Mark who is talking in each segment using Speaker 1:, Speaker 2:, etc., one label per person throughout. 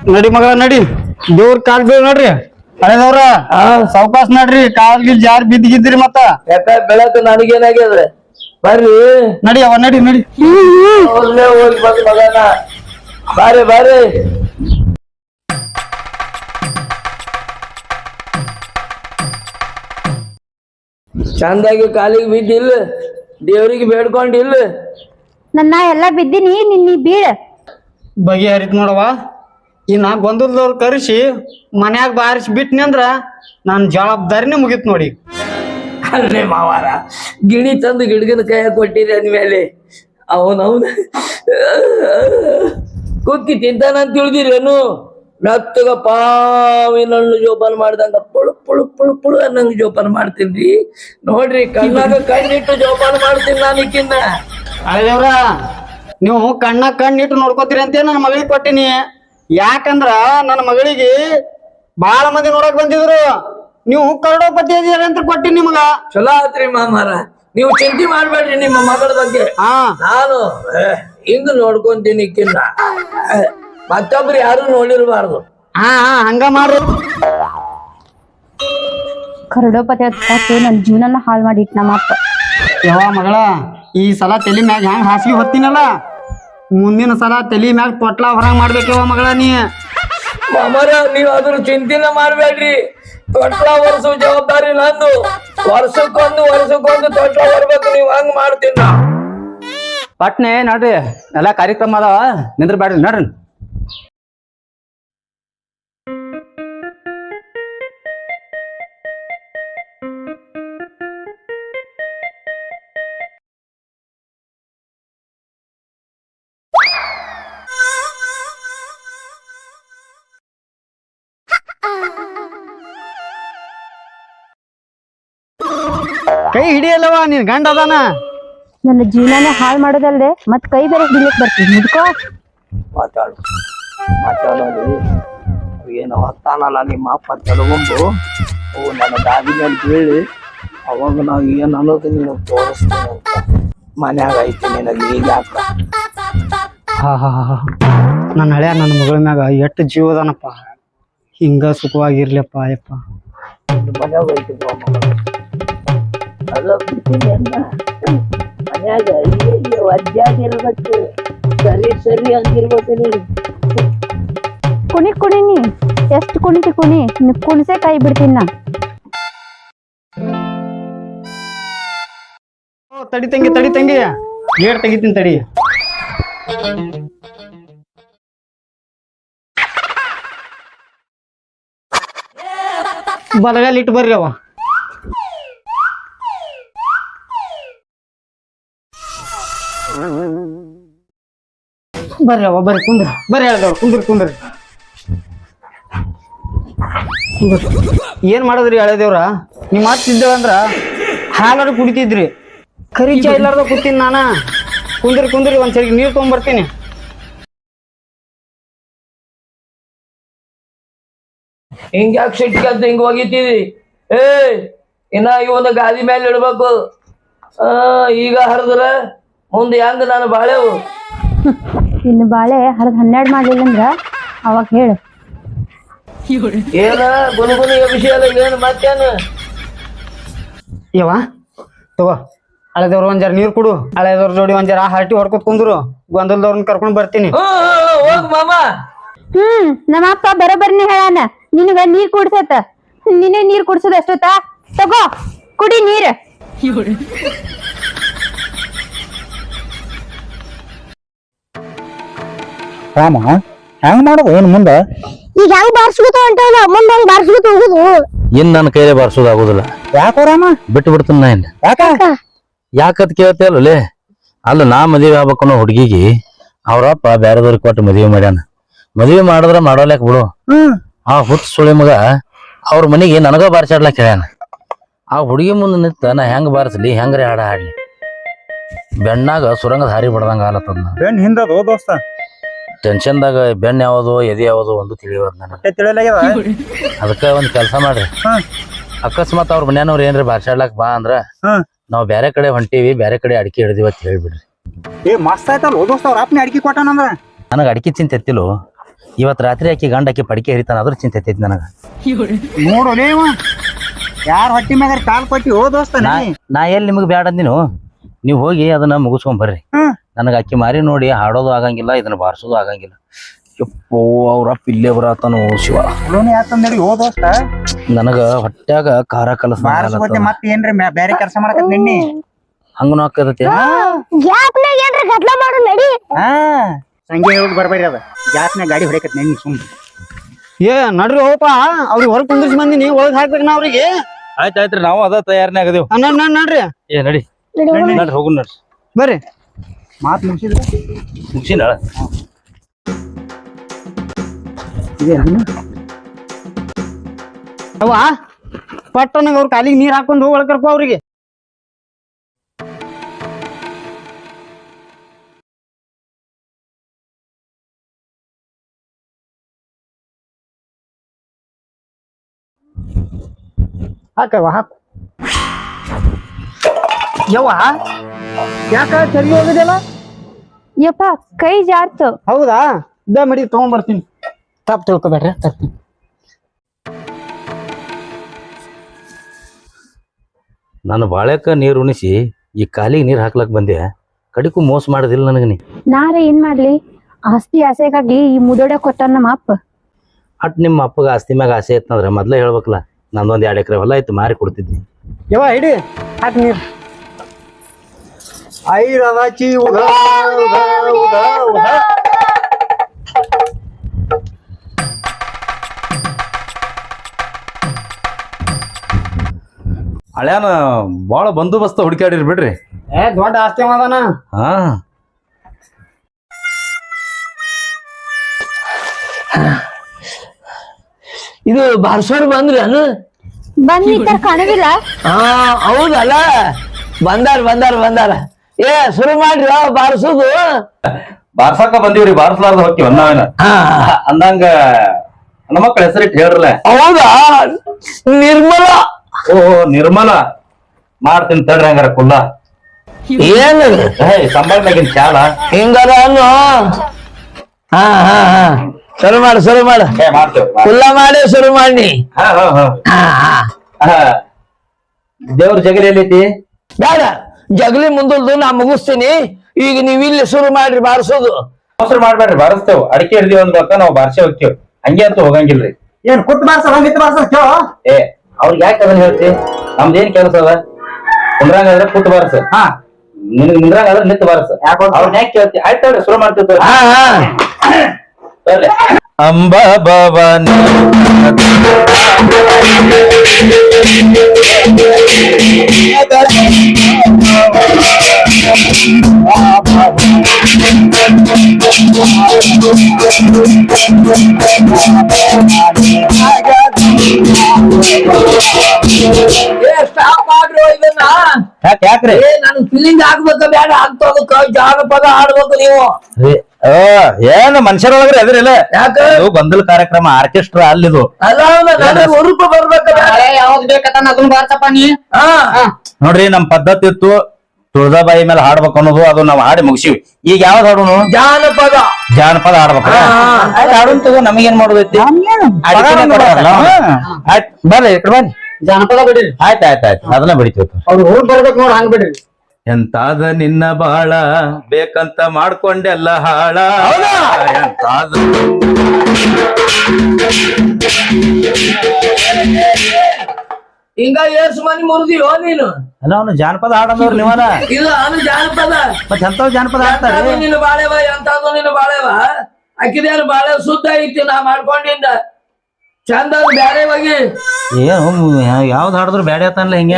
Speaker 1: ನಡಿ ಮಗ ನಡಿ ದೇವ್ರ ಕಾಲ್ ಬೀಳ್ ನೋಡ್ರಿ ಹಳೆದವ್ರ ಸಾವ್ಕಾಸ್ ನಡ್ರಿ ಕಾಲ್ ಗಿಲ್ ಜಾರ್ ಬಿದ್ದಿದ್ರಿ ಮತ್ತ
Speaker 2: ಯಾಕ ಬೆಳಕ ನನಗೇನಾಗ್ಯದ ಬರ್ರಿ
Speaker 1: ನಡಿ ಅವ ನಡಿ ನಡಿ
Speaker 2: ಅವ್ರನ್ನೇ ಹೋಗಿ ಬಂದ್ ಮಗನ ಬಾರಿ ಬಾರಿ ಚಂದಾಗಿ ಕಾಲಿಗೆ ಬಿದ್ದಿಲ್ಲ ದೇವ್ರಿಗೆ ಬೇಡ್ಕೊಂಡಿಲ್ಲ
Speaker 3: ನನ್ನ ಎಲ್ಲಾ ಬಿದ್ದೀನಿ ನಿನ್ನ ಬೀಳ್
Speaker 1: ಬಗೆ ಹರಿತ್ ನೋಡವ ಇನ್ನ ಗೊಂದಲದವ್ರು ಕರೆಸಿ ಮನ್ಯಾಗ ಬಾರಿಸಿ ಬಿಟ್ನಿ ಅಂದ್ರ ನನ್ ಜವಾಬ್ದಾರಿನೇ ಮುಗಿತ್ ನೋಡಿ
Speaker 2: ಅಲ್ಲೇ ಮಾವಾರ ಗಿಣಿ ತಂದು ಗಿಡಗನ ಕೈಯ ಕೊಟ್ಟಿರಿ ಅಂದ್ಮೇಲೆ ಅವನವನ ಕುಕ್ಕಿ ತಿಂತಾನಂತ ತಿಳಿದಿರೇನು ನತ್ತಗ ಪಾವಿನಣ್ಣು ಜೋಪಾನ ಮಾಡ್ದಂಗ ಪುಳು ಪುಳು ಪುಳು ಪುಳು ಅನ್ನಂಗ ಜೋಪಾನ ಮಾಡ್ತೀನಿ ನೋಡ್ರಿ ಕಣ್ಣಾಗ ಕಣ್ಣಿಟ್ಟು ಜೋಪಾನ ಮಾಡ್ತೀನಿ ನಾನು ಈಕಿನ್ನ
Speaker 1: ಹಳೆದೇವ್ರ ನೀವು ಕಣ್ಣಾಗ ಕಣ್ಣಿಟ್ಟು ನೋಡ್ಕೋತೀರಿ ಅಂತ ನನ್ನ ಮಗಳಿಗೆ ಕೊಟ್ಟಿನಿ ಯಾಕಂದ್ರ ನನ್ನ ಮಗಳಿಗೆ ಬಾಳ ಮಂದಿ ನೋಡಕ್ ಬಂದಿದ್ರು ನೀವು ಕರಡೋಪತಿ ಇದೀರ ಅಂತ ಕೊಟ್ಟಿನಿ ನಿಮಗ
Speaker 2: ಚಲೋ ಆತ್ರಿ ಮಾಮಾರ ನೀವು ಚಿಂತೆ ಮಾಡ್ಬೇಡ್ರಿ ನಿಮ್ಮ ಮಗಳ ಬಗ್ಗೆ ನಾನು ಹಿಂಗ ನೋಡ್ಕೊಂತೀನಿ ಈಕಿನ್ನ ಮತ್ತೊಬ್ರು ಯಾರು ನೋಡಿರ್ಬಾರ್ದು
Speaker 1: ಹಂಗ ಮಾಡ್ರಿ
Speaker 3: ಕರಡೋಪತಿ ಹತ್ತು ನನ್ನ ಜೀವನನ ಹಾಳು ಮಾಡಿಟ್ ನಮ್ಮ ಅಪ್ಪ
Speaker 1: ಯಾವ ಮಗಳ ಈ ಸಲ ತಲಿ ಮ್ಯಾಗ ಹೆಂಗ್ ಹಾಸಿಗೆ ಹೊತ್ತಿನಲ್ಲ ಮುಂದಿನ ಸಲ ತಲಿ ಮ್ಯಾಗ ತೊಟ್ಲ ಹೊರಗ್ ಮಾಡ್ಬೇಕವ ಮಗಳ ನೀ
Speaker 2: ಮಾಮಾರ ನೀವ್ ಅದ್ರ ಚಿಂತೆನ ಮಾಡ್ಬೇಡ್ರಿ ತೊಟ್ಲ ವರ್ಷ ಜವಾಬ್ದಾರಿ ನಂದು ವರ್ಷಕ್ಕೊಂದು ತೊಟ್ಲ ಬರ್ಬೇಕು ನೀವ್ ಹಂಗ ಮಾಡ್ತೀನ
Speaker 4: ಪಟ್ನೆ ನೋಡ್ರಿ ಎಲ್ಲಾ ಕಾರ್ಯಕ್ರಮ ಅದಾವ ನಿಂದ್ರ ಬ್ಯಾಡ್ರಿ ನೋಡ್ರಿ
Speaker 1: ಕೈ ಹಿಡಿಯಲ್ಲವ ನೀನ್ ಗಂಡ ಅದಾನ
Speaker 3: ನನ್ನ ಜೀವನನೇ ಹಾಳು ಮಾಡೋದಲ್ದೆ ಮತ್ ಕೈ ಬೇರೆ ಹಿಡಿಲಿಕ್ ಬರ್ತೀನಿ ಮುದ್ಕೋ
Speaker 2: ಮಾತಾಡೋದು ಏನು ಹೊತ್ತಾನಲ್ಲ ನಿಮ್ಮ ಅಪ್ಪ ತಲಗೊಂಡು ಅವು ನನ್ನ ದಾದಿ ಮೇಲೆ ಬೀಳಿ ಅವಾಗ ನಾವು ಏನ್ ಅನ್ನೋದು ನೀನು ತೋರಿಸ್ತೀನಿ ಮನ್ಯಾಗ ಐತಿ ನಿನಗೆ ಈಗ ಯಾಕ
Speaker 1: ನನ್ನ ಹಳೆಯ ನನ್ನ ಮಗಳ ಮ್ಯಾಗ ಎಷ್ಟು ಜೀವದಾನಪ್ಪ ಹಿಂಗ ಸುಖವಾಗಿರ್ಲಿಪ್ಪ ಅಯ್ಯಪ್ಪ
Speaker 2: ಮನ್ಯಾಗ ಐತಿ ಅದ ಮನ್ಯಾಗ ವಜ್ಜಾಗಿರ್ಬೇಕು ಸರಿ ಹಂಗಿರ್ಬೇಕು ನೀನು
Speaker 3: ಕುಣಿನಿ ಎಷ್ಟು ಕುಣಿತಿ ಕುಣಿ ಕುಣಿಸೇ ಕೈ ಬಿಡ್ತೀನಿ ನಾ
Speaker 1: ತಡಿ ತಂಗಿ ಗೇಟ್ ತೆಗಿತೀನಿ ತಡಿ ಬಲಗಾಲ ಇಟ್ಟು ಬರ್ರಿ ಅವ ಬರ್ರಿ ಅವ ಬರ್ರಿ ಕುಂದ್ರ ಬರ್ರಿ ಹೇಳ್ದವ್ರು ಕುಂದ್ರಿ ಏನ್ ಮಾಡದ್ರಿ ಹಳೆದೇವ್ರ ನಿಮ್ ಮಾತಿದ್ದೇವ ಅಂದ್ರ ಹಾಲಾರು ಕುಡಿತಿದ್ರಿ ಖರೀಚ ಇಲ್ಲಾರ್ದ ಕೂತೀನಿ ನಾನ ಕುಂದ್ರಿ ಒಂದ್ಸರಿ ನೀರ್ ತಗೊಂಡ್ಬರ್ತೀನಿ
Speaker 2: ಹಿಂಗ ಯಾಕೆ ಸಿಟ್ಟಿಗೆ ಅಂತ ಹಿಂಗ ಒಗಿತೀವಿ ಇನ್ನ ಇವನ ಗಾದಿ ಮೇಲೆ ಇಡ್ಬೇಕು ಈಗ ಹರಿದ್ರ ಮುಂದೆ ಹೆಂಗ ನಾನು ಬಾಳೆವು
Speaker 3: ಇನ್ನು ಬಾಳೆ ಹರಿದ್ 12 ಮಾಡ್ಲಿಲ್ಲ ಅಂದ್ರ ಅವಾಗ ಹೇಳು
Speaker 2: ಏನ ಗುನುಗುನಿಯ ವಿಷಯ ಏನು ಮತ್ತೇನು
Speaker 1: ಯವ್ವ ತಗೋ ಹಳೆದವ್ರ ಒಂದ್ ಜರ ನೀರ್ ಕುಡು ಹಳೆದವ್ರ ಜೋಡಿ ಒಂದ್ ಜರ ಹರಟಿ ಹೊಡ್ಕೊತ್ ಕುಂದ್ರು ಗೊಂದಲದವ್ರನ್ನ ಕರ್ಕೊಂಡ್ ಬರ್ತೀನಿ
Speaker 2: ಹೋಗ್ ಮಾಮ
Speaker 3: ನಮ್ಮ ಅಪ್ಪ ಬರೋಬ್ಬರ್ನೇ ಹೇಳಾನ ನಿನಗ ನೀರ್ ಕುಡ್ಸತ್ತ ನಿನ್ನೆ ನೀರ್ ಕುಡ್ಸೋದ್ ಎಷ್ಟೊತ್ತ ತಗೋ ಕುಡಿ ನೀರ್
Speaker 4: ರಾಮ ಹೆಂಗ್ ಮಾಡೋದು ಏನ್ ಮುಂದ
Speaker 3: ಈಗ ಹೆಂಗ್ ಬಾರ್ಸ್ಕೊತ ಹೊಂಟವಲ್ಲ ಮುಂದೆ ಹೆಂಗ್ ಬಾರ್ಸ್ಕೊತ ಹೋಗುದು
Speaker 5: ಇನ್ ನನ್ನ ಕೈಲೇ ಬಾರಿಸೋದಾಗುದಿಲ್ಲ
Speaker 4: ಯಾಕೋ ರಾಮ
Speaker 5: ಬಿಟ್ಟು ಬಿಡ್ತೀನಿ ನಾ ಇನ್
Speaker 4: ಯಾಕ
Speaker 5: ಯಾಕತ್ ಕೇಳ್ತೇವಲ್ಲೇ ಅಲ್ಲ ನಾ ಮದುವೆ ಆಗ್ಬೇಕು ಅನ್ನೋ ಹುಡುಗಿಗೆ ಅವ್ರಪ್ಪ ಬ್ಯಾರೆದವ್ರಿಗೆ ಕೊಟ್ಟು ಮದುವೆ ಮಾಡ್ಯಾನ ಮದುವೆ ಮಾಡಿದ್ರ ಮಾಡೋಲ್ಯಾಕ ಬಿಡು ಆ ಹುಟ್ಟು ಸುಳಿ ಮಗ ಅವ್ರ ಮನೆಗೆ ನನಗ ಬಾರಿಸಾಡ್ಲಾಕ ಹೇಳ್ಯಾನ ಆ ಹುಡುಗಿ ಮುಂದೆ ನಿಂತ ನಾ ಹೆಂಗ್ ಬಾರಿಸ್ಲಿ ಹೆಂಗ್ರಿ ಹಾಡ ಹಾಡ್ಲಿ ಬೆಣ್ಣಾಗ ಸುರಂಗದ ಹಾರಿ ಬಿಡ್ದಂಗ ಆಲತ್ತದ
Speaker 4: ಬೆನ್ ಹಿಂದದು ದೋಸ್ತ
Speaker 5: ಟೆನ್ಷನ್ದಾಗ ಬೆಣ್ಣ ಯಾವುದು ಎದೆ ಯಾವುದು ಒಂದು ತಿಳಿಯೋದ್ ನನಗೆ
Speaker 4: ತಿಳಿಯಲಾಗ್ಯದ
Speaker 5: ಅದಕ್ಕ ಒಂದ್ ಕೆಲಸ ಮಾಡ್ರಿ ಅಕಸ್ಮಾತ್ ಅವ್ರ ಮನ್ಯಾನವ್ರ ಏನ್ರಿ ಬಾರ್ಸಾಡ್ಲಾಕ್ ಬಾ ಅಂದ್ರ ನಾವ್ ಬ್ಯಾರೆ ಕಡೆ ಹೊಂಟೀವಿ ಬ್ಯಾರೆ ಕಡೆ ಅಡಿಕೆ ಹಿಡಿದಿವ ಅಂತ ಹೇಳ್ಬಿಡ್ರಿ
Speaker 4: ಏ ಮಸ್ತ್ ಆಯ್ತಲ್ಲ ದೋಸ್ತ ಅವ್ರ ಅಪ್ಪನೇ ಅಡಿಕೆ ಕೊಟ್ಟಾನಂದ್ರ
Speaker 5: ನನಗ ಅಡಿಕೆ ಚಿಂತೆ ಎತ್ತಿಲು ಇವತ್ತು ರಾತ್ರಿ ಆಕಿ ಗಂಡ ಆಕಿ ಪಡಿಕೆ ಹರಿತಾನ ಅದ್ರ ಚಿಂತೆ ಐತಿ ನನಗ.
Speaker 1: ನೋಡು ನೀವು ಯಾರ ಹೊಟ್ಟಿ ಮ್ಯಾಗ ಕಾಲ್ ಕೊಟ್ಟಿ ಓ ದೋಸ್ತ
Speaker 5: ನಾ ಎಲ್ಲಿ ನಿಮಗ್ ಬ್ಯಾಡ ಅಂದಿನು, ನೀವ್ ಹೋಗಿ ಅದನ್ನ ಮುಗಿಸ್ಕೊಂಡ್ ಬರ್ರಿ. ನನಗ ಅಕ್ಕಿ ಮಾರಿ ನೋಡಿ ಹಾಡೋದು ಆಗಂಗಿಲ್ಲ, ಇದನ್ನ ಬಾರ್ಸೋದು ಆಗಂಗಿಲ್ಲ. ಯಪ್ಪೋ ಅವ್ರ ಇಲ್ಲೇ ಬರತಾನು ಶಿವ.
Speaker 1: ಯಾಕಂದ್ರಿ ಓ ದೋಸ್ತ
Speaker 5: ನನಗ ಹೊಟ್ಯಾಗ ಖಾರ ಕಲಸ
Speaker 1: ಮತ್ತೆ ಏನ್ರಿ ಬ್ಯಾರೆ ಕೆಲಸ ಮಾಡಕ ನಿನ್ನಿ
Speaker 5: ಹಂಗನು ಹಾಕದತಿ.
Speaker 1: ಸಂಜೆ ಹೋಗಿ ಬರ್ಬೇಡ್ರಿ ಅದ ಜಾಸ್ತಿನ ಗಾಡಿ ಹೊಡಕತ್ ನೆನ್ನಿ ಸುಮ್ ಏ ನಡ್ರಿ ಹೋಪ ಅವ್ರಿಗೆ ಹೊರಗೆ ಕುಂದಿರ್ಸಿ ಬಂದಿನಿ ಒಳಗ್ ಹಾಕ್ಬೇಕು ನಾ ಅವ್ರಿಗೆ.
Speaker 5: ಆಯ್ತಾಯ್ತ್ರಿ ನಾವು ಅದ ತಯಾರನೇ ಆಗದೇವ್.
Speaker 1: ನಡ್ರಿ
Speaker 5: ಏ ನಡಿ ನಡ್ರಿ ಹೋಗು ನಡ್ರಿ
Speaker 1: ಬರ್ರಿ ಮಾತ್ ಮುಗಿಸಿದ್ರೆ
Speaker 5: ಮುಗಿಸಿನ
Speaker 1: ಅವ ಪಟ್ಟನಾಗ ಅವ್ರ ಕಾಲಿಗೆ ನೀರ್ ಹಾಕೊಂಡು ಹೋಗಿ ಒಳಕರ್ಕೊ ಅವ್ರಿಗೆ. ಹಾಕವ ಹಾಕು ಯವ್ವ ಯಾಕ ಚರಿ ಹೋಗಿದೆಲ್ಲ.
Speaker 3: ಯಪ್ಪ ಕೈ ಜಾರ್ತು.
Speaker 1: ಹೌದಾ ಇದ ಮಡಿ ತಗೊಂಡ್ಬರ್ತೀನಿ. ತಪ್ಪು ತಿಳ್ಕೊಬೇಡ್ರಿ ತರ್ತೀನಿ.
Speaker 5: ನಾನು ಬಾಳೆಕ ನೀರ್ ಉಣಿಸಿ ಈ ಕಾಲಿಗೆ ನೀರ್ ಹಾಕ್ಲಕ್ ಬಂದೆ, ಕಡಿಕು ಮೋಸ ಮಾಡೋದಿಲ್ಲ ನನಗ ನೀ.
Speaker 3: ನಾರ ಏನ್ ಮಾಡ್ಲಿ, ಆಸ್ತಿ ಆಸೆಗಾಗಿ ಈ ಮುದೋಡ ಕೊಟ್ಟ ನಮ್ಮ ಅಪ್ಪ.
Speaker 5: ಅಟ್ ನಿಮ್ಮ ಅಪ್ಪಗ ಆಸ್ತಿ ಮ್ಯಾಗ ಆಸೆ ಐತಂದ್ರ ಮೊದ್ಲೇ ಹೇಳ್ಬೇಕಲ್ಲ, ನಂದೊಂದ್ 2 ಎಕರೆ ಹೊಲ ಐತಿ ಮಾರಿ ಕೊಡ್ತಿದ್ನಿ.
Speaker 1: ಯವ್ವ ಹಿಡಿ ಹಾಕಿ ನೀರು. ಐರದಾಚಿ ಉದ ಉದ ಉದ ಉದ.
Speaker 5: ಹಳ್ಯಾನ ಬಾಳ ಬಂದೋಬಸ್ತ ಹುಡುಕಾಡಿರ್ ಬಿಡ್ರಿ.
Speaker 1: ದೊಡ್ಡ ಆಸ್ತಿ ಮಾದಾನ.
Speaker 5: ಹಾ
Speaker 2: ಇದು ಬಾರ್ಸೋರ್ ಬಂದ್ರಿ ಅನು?
Speaker 3: ಬಂದ್ ಕಾಣುದಿಲ್ಲ.
Speaker 2: ಹಾ ಹೌದಲ್ಲ, ಬಂದಾರ. ಏ ಶುರು ಮಾಡ್ರಿ ಬಾರ್ಸೋದು.
Speaker 5: ಬಾರ್ಸಾಕ ಬಂದೀವ್ರಿ, ಬಾರ್ಸಲಾರ್ದ ಹೋಗ್ತೀವಿ ನಾವೇನ ಅಂದಂಗ ನಮ್ಮ ಮಕ್ಕಳ ಹೆಸರಿಟ್ಟು ಹೇಳ್ರಲ್ಲ.
Speaker 2: ಹೌದಾ, ನಿರ್ಮಲ.
Speaker 5: ಓ ನಿರ್ಮಲ ಮಾಡ್ತೀನಿ ತಡ್ರಿ ಹಂಗಾರ ಕುಲ್ಲ.
Speaker 2: ಏನು
Speaker 5: ಸಂಬಳದಾಗಿನ ಚಾಲ
Speaker 2: ಹಿಂಗಾರ ಅನ್ನು. ಹಾ ಶುರು ಮಾಡು
Speaker 5: ಮಾಡ್ತೇವೆ.
Speaker 2: ಕುಲ್ಲ ಮಾಡಿ ಶುರು ಮಾಡಿ.
Speaker 5: ದೇವ್ರ ಜಗಲಿ ಎಲ್ಲೈತಿ?
Speaker 2: ಬೇಡ, ಜಗಲಿ ಮುಂದಲ್ದು ನಾ ಮುಗಿಸ್ತೀನಿ. ಈಗ ನೀವ್ ಇಲ್ಲಿ ಶುರು ಮಾಡ್ರಿ ಬಾರಿಸೋದು.
Speaker 5: ಅವಸರ ಮಾಡ್ಬೇಡ್ರಿ, ಬಾರಿಸ್ತೇವ್. ಅಡಿಕೆ ಹಿಡ್ದೀವಿ ಅಂದ್ಬೇಕ ನಾವು ಬಾರ್ಸೆ ಹೋಗ್ತೇವ್, ಹಂಗೆ ಅಂತ ಹೋಗಂಗಿಲ್ರಿ.
Speaker 1: ಏನ್ ಕುತ್ ಬಾರ್ಸಲ್ಲ ನಿತ್ ಬಾರ್ಸಲ್ ಕೇಳ.
Speaker 5: ಏ ಅವ್ರಿಗೆ ಯಾಕೆ ಅದನ್ನ ಹೇಳ್ತಿ? ನಮ್ದೇನ್ ಕೆಲಸ ಅದ? ಕುಂದ್ರಂಗಾದ್ರೆ ಕುತ್ ಬಾರ್ಸ, ನಿಂದ್ರಂಗಾದ್ರೆ ನಿತ್ ಬಾರ್ಸ. ಅವ್ರನ್ನ ಯಾಕೆ ಕೇಳ್ತಿ? ಆಯ್ತಾವ್ರಿ ಶುರು ಮಾಡ್ತಿರ್ತಾರೆ. ಅಂಬ ಭವಾನಿ ಯಾಕ್ರಿ
Speaker 2: ನನ್ ಫೀಲಿಂಗ್ ಆಗ್ಬೇಕ ಬೇಡ ಆಗ್ತೋದಕ್ಕ ಜಾನಪದ ಹಾಡ್ಬೇಕು ನೀವು.
Speaker 5: ಏನ್ ಮನುಷ್ಯರೊಳಗ್ರಿ ಅದ್ರಿಲ್ಲ.
Speaker 2: ಯಾಕೆ
Speaker 5: ಗೊಂದಲ ಕಾರ್ಯಕ್ರಮ ಆರ್ಕೆಸ್ಟ್ರಾ ಅಲ್ಲಿದು
Speaker 2: ಅಲ್ಲ, ರೂಪ ಬರ್ಬೇಕ
Speaker 1: ಯಾವ್ದು ಬೇಕತ್ತ ಅದನ್ನ ಬಾರ್ಸಪ್ಪ ನೀ.
Speaker 5: ನೋಡ್ರಿ ನಮ್ ಪದ್ಧತಿ ಇತ್ತು, ತುಳದಾಬಾಯಿ ಮೇಲೆ ಹಾಡ್ಬೇಕು ಅನ್ನೋದು, ಅದು ನಾವ್ ಹಾಡಿ ಮುಗಿಸಿವಿ. ಈಗ ಯಾವ್ದು ಹಾಡೋನು? ಜಾನಪದ ಹಾಡ್ಬೇಕು. ಹಾಡೋನ್ ತಗೋ, ನಮಗೇನ್ ಮಾಡೋದೈತಿ? ಬರ್ರಿ ಬನ್ನಿ,
Speaker 1: ಜಾನಪದ ಬಿಡ್ರಿ.
Speaker 5: ಆಯ್ತು ಅದನ್ನ ಬಿಡಿತೀವಿ.
Speaker 1: ಅವ್ರು ಹೋಗಿ ಬರ್ಬೇಕು ನೋಡ್ ಹಂಗ್ ಬಿಡ್ರಿ.
Speaker 5: ಎಂತಾದ ನಿನ್ನ ಬಾಳ ಬೇಕಂತ ಮಾಡ್ಕೊಂಡೆಲ್ಲ ಹಾಳ. ಎಂತಾದ
Speaker 2: ಹಿಂಗ ಏಸು ಮನಿ ಮುರಿದಿಯೋ ನೀನು?
Speaker 5: ಅಲ್ಲ ಅವನು ಜಾನಪದ ಹಾಡೋದವ್ರು ನೀವನ.
Speaker 2: ಇಲ್ಲ ಅವನು ಜಾನಪದ.
Speaker 5: ಮತ್ತೆ ಎಂತಾವ್ ಜಾನಪದ ಹಾಡ್ತಾರೆ?
Speaker 2: ನಿನ್ನ ಬಾಳೆವ ಎಂತಾದ್ರು ನಿನ್ನ ಬಾಳೆವ ಅಕ್ಕಿದೇನು ಬಾಳೆ ಶುದ್ಧ ಐತಿ ನಾ ಮಾಡ್ಕೊಂಡಿದ್ದ ಚಂದ ಬ್ಯಾರೆ ಹೋಗಿ.
Speaker 5: ಏನು ಯಾವ್ದು ಹಾಡಿದ್ರು ಬ್ಯಾಡ ಆತನ್ಲ ಹಿಂಗೆ.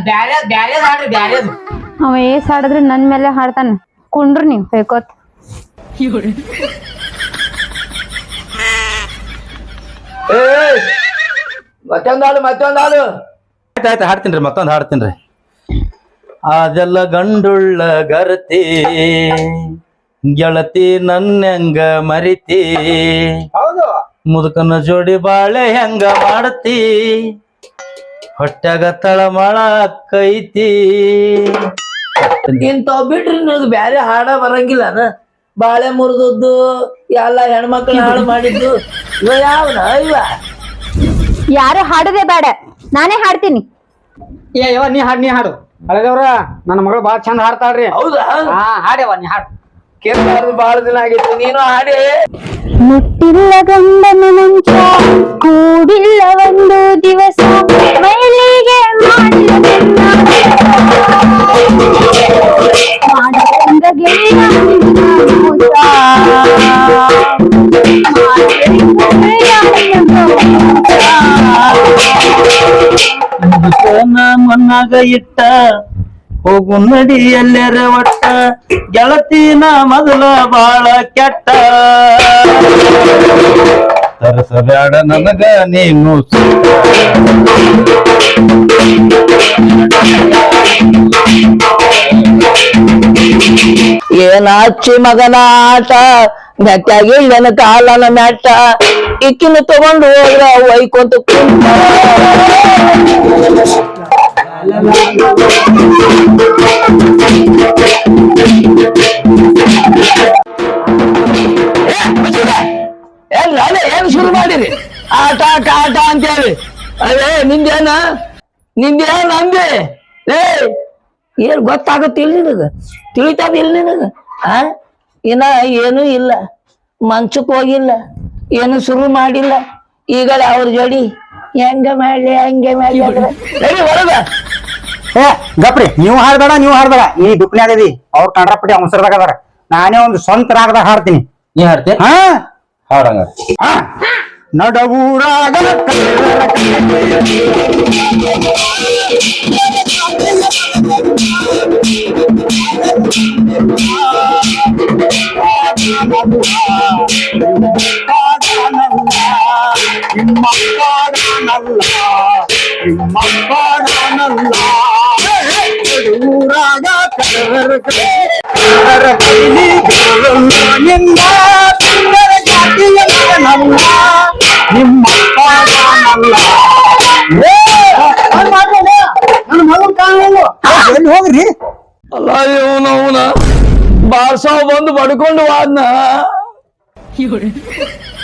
Speaker 3: ಅವ ಏಸ್ ಹಾಡಿದ್ರೆ ನನ್ ಮೇಲೆ ಹಾಡ್ತಾನ. ಕುಂಡ್ರಿ ನೀವ್ ಬೇಕೋತ್.
Speaker 2: ಮತ್ತೊಂದಾಳು
Speaker 5: ಆಯ್ತು ಹಾಡ್ತೀನ್ರಿ, ಮತ್ತೊಂದು ಹಾಡ್ತೀನ್ರಿ. ಅದೆಲ್ಲ ಗಂಡುಳ್ಳ ಗರತಿ ಗೆಳತಿ ನನ್ನಂಗ ಮರಿತಿ,
Speaker 1: ಹೌದು
Speaker 5: ಮುದುಕನ ಜೋಡಿ ಬಾಳೆ ಹೆಂಗ ಮಾಡತಿ, ಹೊಟ್ಯಾಗ ತಳಮಳ ಕೈತಿ.
Speaker 2: ಇಂತಾವ್ ಬಿಟ್ರಿ ನಿನಗ್ ಬ್ಯಾರೆ ಹಾಡ ಬರಂಗಿಲ್ಲ. ಬಾಳೆ ಮುರಿದದ್ದು ಎಲ್ಲ ಹೆಣ್ಮಕ್ಳು ಹಾಳು ಮಾಡಿದ್ದು ಇವ ಯಾವನ ಇವ
Speaker 3: ಯಾರು ಹಾಡೋದೇ ಬೇಡ, ನಾನೇ ಹಾಡ್ತೀನಿ.
Speaker 1: ಏ ಯವ್ವ ನೀ ಹಾಡು ಹಳೆದವ್ರ ನನ್ನ ಮಗಳು ಬಾಳ ಚಂದ ಹಾಡ್ತಾಳ್ರಿ.
Speaker 2: ಹೌದಾ
Speaker 1: ಹಾ ಹಾಡ್ಯವ ನೀ ಹಾಡು.
Speaker 2: ಕೇಳ್ಬಾರ್ದು ಬಾಳ ದಿನ ಆಗಿತ್ತು, ನೀನು ಹಾಡಿ.
Speaker 3: ಮುಟ್ಟಿಲ್ಲ ಗಂಡನ ಮಂಚ, ಕೂಡಿಲ್ಲ ಒಂದು ದಿವಸ, ಮೈಲಿಗೆ ಮಾಡಿಲ್ಲ ಬೆನ್ನ, ಮಾಡಿದಂಗ ಗೆಳೆಯ ನಿನ್ನ ಮೋಸ, ಮಾಡಿದಂಗ ಗೆಳೆಯ ನಿನ್ನ ಮೋಸ.
Speaker 2: ಮಣ್ಣಾಗ ಇಟ್ಟ ಹೋಗು ನಡಿ ಎಲ್ಲರ ಒಟ್ಟ, ಗೆಳತಿನ ಮೊದಲ ಬಾಳ ಕೆಟ್ಟ,
Speaker 5: ತರಸಬೇಡ ನನಗ ನೀನು
Speaker 2: ಏನ ಹಚ್ಚಿ ಮಗನ ಆಟ, ಮೆಟ್ಟಾಗಿಲ್ಲನ ಕಾಲನ ಮೆಟ್ಟ, ಇಕ್ಕಿನ ತಗೊಂಡು ಹೋದ್ರ ಒಯ್ಕೊಂತ ಕುಂತ. ಏನ್ ಶುರು ಮಾಡಿರಿ ಆಟ ಆಟ ಅಂತೇಳಿ? ಅದೇ ನಿಂದೇನ ಅಂದೆ? ಏನ್ ಗೊತ್ತಾಗುತ್ತಿಲ್ಲ ನಿನಗ? ತಿಳಿತಾದಿಲ್ಲ ನಿನಗ? ಇನ್ನ ಏನೂ ಇಲ್ಲ, ಮಂಚಕ್ ಹೋಗಿಲ್ಲ, ಏನು ಶುರು ಮಾಡಿಲ್ಲ. ಈಗ ಅವ್ರ ಜೋಡಿ ಹೆಂಗ ಮಾಡ್ಲಿ ಹಂಗೆ ಮಾಡ್ಲಿ ಹೊರಗ.
Speaker 1: ಏ ಗಪ್ರಿ, ನೀವು ಹಾಡ್ಬೇಡ ಈ ದುಕ್ನ್ಯಾಗದಿ. ಅವ್ರ ಕಂಡ್ರಪಟ್ಟಿ ಅವಸರದಾಗ ಅದಾರ. ನಾನೇ ಒಂದು ಸ್ವಂತ ರಾಗದಾಗ ಹಾಡ್ತೀನಿ.
Speaker 5: ನೀ ಹಾಡ್ತಿ
Speaker 1: ಹಾ
Speaker 5: ಹಾಡಂಗ.
Speaker 1: ನಡವೂರಾಗ ಹೋಗ್ರಿ.
Speaker 2: ಅಲ್ಲ ಇವನವನ ಬಾರ್ಸಾವ್ ಬಂದು ಬಡ್ಕೊಂಡು ವಾದ್ನ